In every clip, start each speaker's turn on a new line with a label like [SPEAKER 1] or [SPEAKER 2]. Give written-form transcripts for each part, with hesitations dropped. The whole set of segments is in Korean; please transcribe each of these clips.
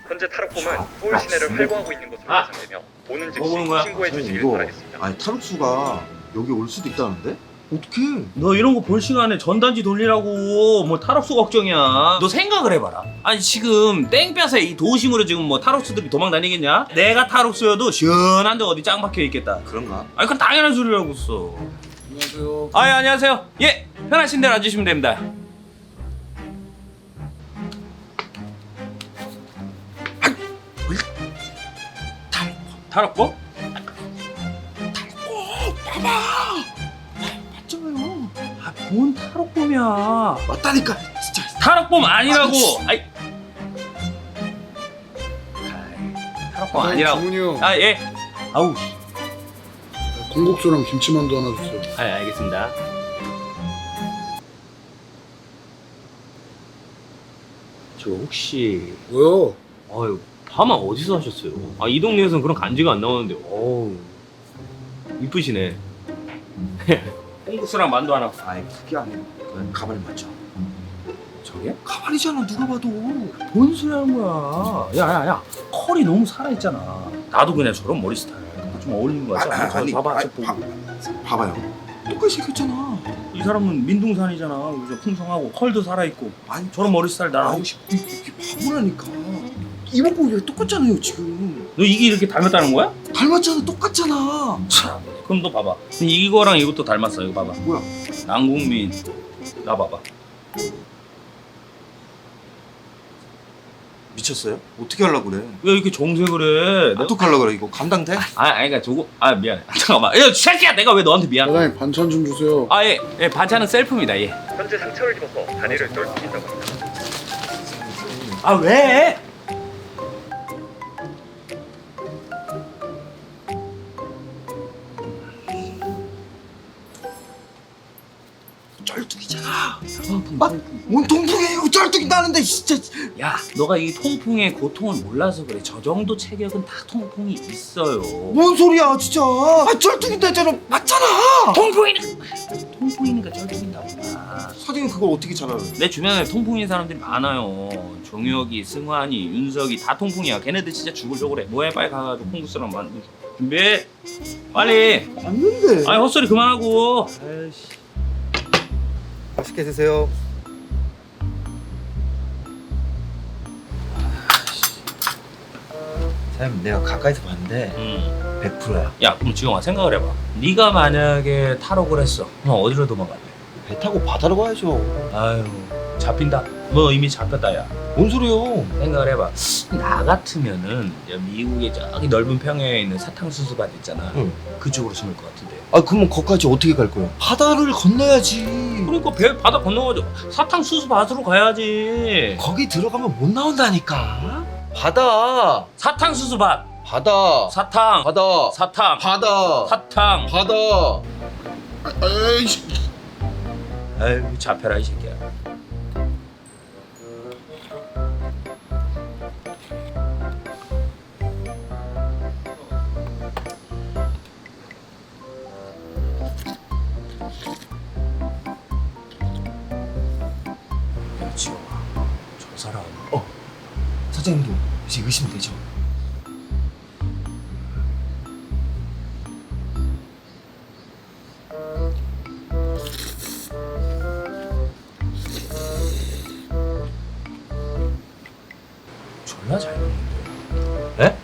[SPEAKER 1] 현재 탈옥범은 서울 시내를 활보하고 있는 것으로 예상되며 오는 즉시 신고해 주시길 바라겠습니다.
[SPEAKER 2] 아니 탈옥수가 여기 올 수도 있다는데? 어떡해?
[SPEAKER 3] 너 이런 거 볼 시간에 전단지 돌리라고 뭐 탈옥수 걱정이야. 너 생각을 해봐라. 아니 지금 땡볕에 이 도심으로 지금 뭐 탈옥수들이 도망 다니겠냐? 내가 탈옥수여도 시원한데 어디 짱 박혀 있겠다.
[SPEAKER 2] 그런가?
[SPEAKER 3] 아니 그건 당연한 소리라고 써.
[SPEAKER 4] 안녕하세요.
[SPEAKER 3] 아, 예, 안녕하세요. 예, 편하신 대로 앉으시면 됩니다. 탈옥범?
[SPEAKER 2] 맞잖아요.
[SPEAKER 3] 아, 뭔 탈옥범이야?
[SPEAKER 2] 맞다니까 진짜.
[SPEAKER 3] 탈옥범 아니라고. 아이, 탈옥범 아니라고.
[SPEAKER 4] 정훈이 형,
[SPEAKER 3] 아, 예. 아우,
[SPEAKER 4] 콩국수랑 김치만두 하나 주세요.
[SPEAKER 3] 아, 예, 알겠습니다. 저 혹시
[SPEAKER 4] 뭐요?
[SPEAKER 3] 아유, 파마 어디서 하셨어요? 아, 이 동네에서는 그런 간지가 안 나오는데. 어우, 이쁘시네. 콩국수랑 만두 하나.
[SPEAKER 2] 아이 그게 아니라 가발을 맞죠.
[SPEAKER 3] 저게?
[SPEAKER 2] 가발이잖아 누가 봐도.
[SPEAKER 3] 뭔 소리 하는 거야? 야, 컬이 너무 살아있잖아. 나도 그냥 저런 머리 스타일 좀 어울리는 거 같지 않아?
[SPEAKER 2] 아니,
[SPEAKER 3] 봐봐,
[SPEAKER 2] 아니,
[SPEAKER 3] 저 보고.
[SPEAKER 2] 봐봐요. 똑같이 생겼잖아.
[SPEAKER 3] 이 사람은 민둥산이잖아. 그래서 풍성하고 컬도 살아있고.
[SPEAKER 2] 아니
[SPEAKER 3] 저런 머리 스타일 나랑 하고
[SPEAKER 2] 아우
[SPEAKER 3] 싶어.
[SPEAKER 2] 이게 바보라니까. 이목구 왜 똑같잖아요 지금.
[SPEAKER 3] 너 이게 이렇게 닮았다는 거야?
[SPEAKER 2] 닮았잖아 똑같잖아.
[SPEAKER 3] 참. 그럼 너 봐봐. 이거랑 이것도 닮았어. 이거 봐봐.
[SPEAKER 2] 뭐야?
[SPEAKER 3] 남궁민. 나 봐봐.
[SPEAKER 2] 미쳤어요? 어떻게 하려고 그래?
[SPEAKER 3] 왜 이렇게 정색을 해? 내가...
[SPEAKER 2] 어떡하려고 그래? 이거 감당돼?
[SPEAKER 3] 그러니까 저거 미안해. 잠깐만. 야, 새끼야, 내가 왜 너한테 미안?
[SPEAKER 4] 사장님 반찬 좀 주세요.
[SPEAKER 3] 아, 예, 반찬은 셀프입니다. 예.
[SPEAKER 1] 현재 상처를 입어서 다리를 떨어뜨린다고 합니다.
[SPEAKER 3] 아, 왜?
[SPEAKER 2] 쩔뚝이잖아. 뭔 통풍이에요? 쩔뚝이 나는데 진짜.
[SPEAKER 3] 야, 너가 이 통풍의 고통을 몰라서 그래. 저 정도 체격은 다 통풍이 있어요.
[SPEAKER 2] 뭔 소리야 진짜. 아 쩔뚝이 되잖아. 맞잖아.
[SPEAKER 3] 통풍이니까 쩔뚝인다고.
[SPEAKER 2] 사장님 그걸 어떻게 잘 알아요?
[SPEAKER 3] 내 주변에 통풍인 사람들이 많아요. 종혁이, 승환이, 윤석이 다 통풍이야. 걔네들 진짜 죽으려고 그래. 뭐해, 빨리 가가지고 콩국수랑 만두 준비해. 빨리.
[SPEAKER 2] 맞는데.
[SPEAKER 3] 아니, 헛소리 그만하고. 아이씨.
[SPEAKER 2] 맛있게 드세요. 사장님 내가 가까이서 봤는데 100%야.
[SPEAKER 3] 야, 그럼 지영아 생각을 해봐. 네가 만약에 탈옥을 했어. 그럼 어디로 도망갈래?
[SPEAKER 2] 배 타고 바다로 가야죠.
[SPEAKER 3] 아유, 잡힌다. 너 이미 잡혔다, 야.
[SPEAKER 2] 뭔 소리요?
[SPEAKER 3] 생각을 해봐. 나 같으면은 미국의 저기 넓은 평야에 있는 사탕수수밭 있잖아.
[SPEAKER 2] 응.
[SPEAKER 3] 그쪽으로 숨을 것 같은데.
[SPEAKER 2] 아 그러면 거기까지 어떻게 갈 거야? 바다를 건너야지.
[SPEAKER 3] 그러니까 배 바다 건너가지고 사탕수수밭으로 가야지.
[SPEAKER 2] 거기 들어가면 못 나온다니까. 바다.
[SPEAKER 3] 사탕수수밭.
[SPEAKER 2] 바다.
[SPEAKER 3] 사탕.
[SPEAKER 2] 바다.
[SPEAKER 3] 사탕.
[SPEAKER 2] 바다.
[SPEAKER 3] 사탕.
[SPEAKER 2] 바다.
[SPEAKER 4] 아이씨.
[SPEAKER 3] 아유, 잡혀라 이 새끼야. 야, 지영아, 저 사람
[SPEAKER 2] 사장님도 이제 의심되죠?
[SPEAKER 3] 졸라 잘 먹는데. 에?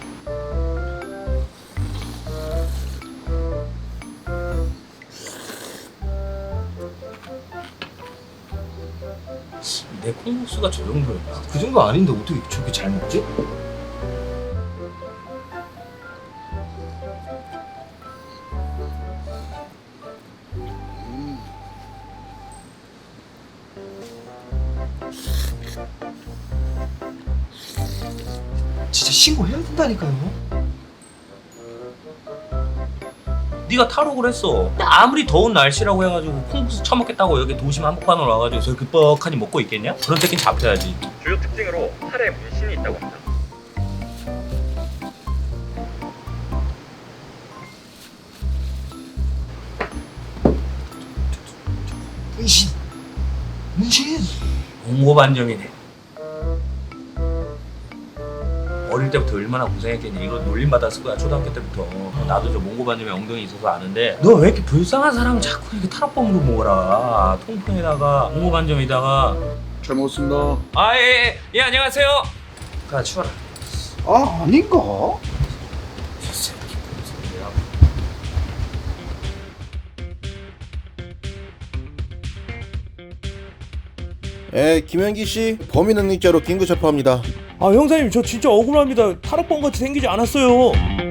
[SPEAKER 3] 내 콩국수가 저 정도였나?
[SPEAKER 2] 그 정도 아닌데 어떻게 저렇게 잘 먹지? 진짜 신고해야 된다니까요.
[SPEAKER 3] 네가 탈옥을 했어. 근데 아무리 더운 날씨라고 해가지고 콩국수 처먹겠다고 여기 도심 한복판으로 와가지고 저렇게 뻑하니 먹고 있겠냐? 그런 새끼는 잡혀야지.
[SPEAKER 1] 주요 특징으로 팔에 문신이 있다고 합니다.
[SPEAKER 2] 문신. 문신.
[SPEAKER 3] 공고반정이네. 어릴 때부터 얼마나 고생했겠니. 이거 놀림 받았을 거야 초등학교 때부터. 나도 저 몽고 반점에 엉덩이 있어서 아는데 너 왜 이렇게 불쌍한 사람 자꾸 이렇게 타락범으로 먹어라. 통풍에다가 몽고 반점에다가.
[SPEAKER 4] 잘 먹었습니다.
[SPEAKER 3] 예 안녕하세요. 가 치워라.
[SPEAKER 2] 아 아닌가?
[SPEAKER 5] 예, 김현기 씨 범인 능력자로 긴급 체포합니다.
[SPEAKER 3] 아 형사님 저 진짜 억울합니다. 타락범 같이 생기지 않았어요.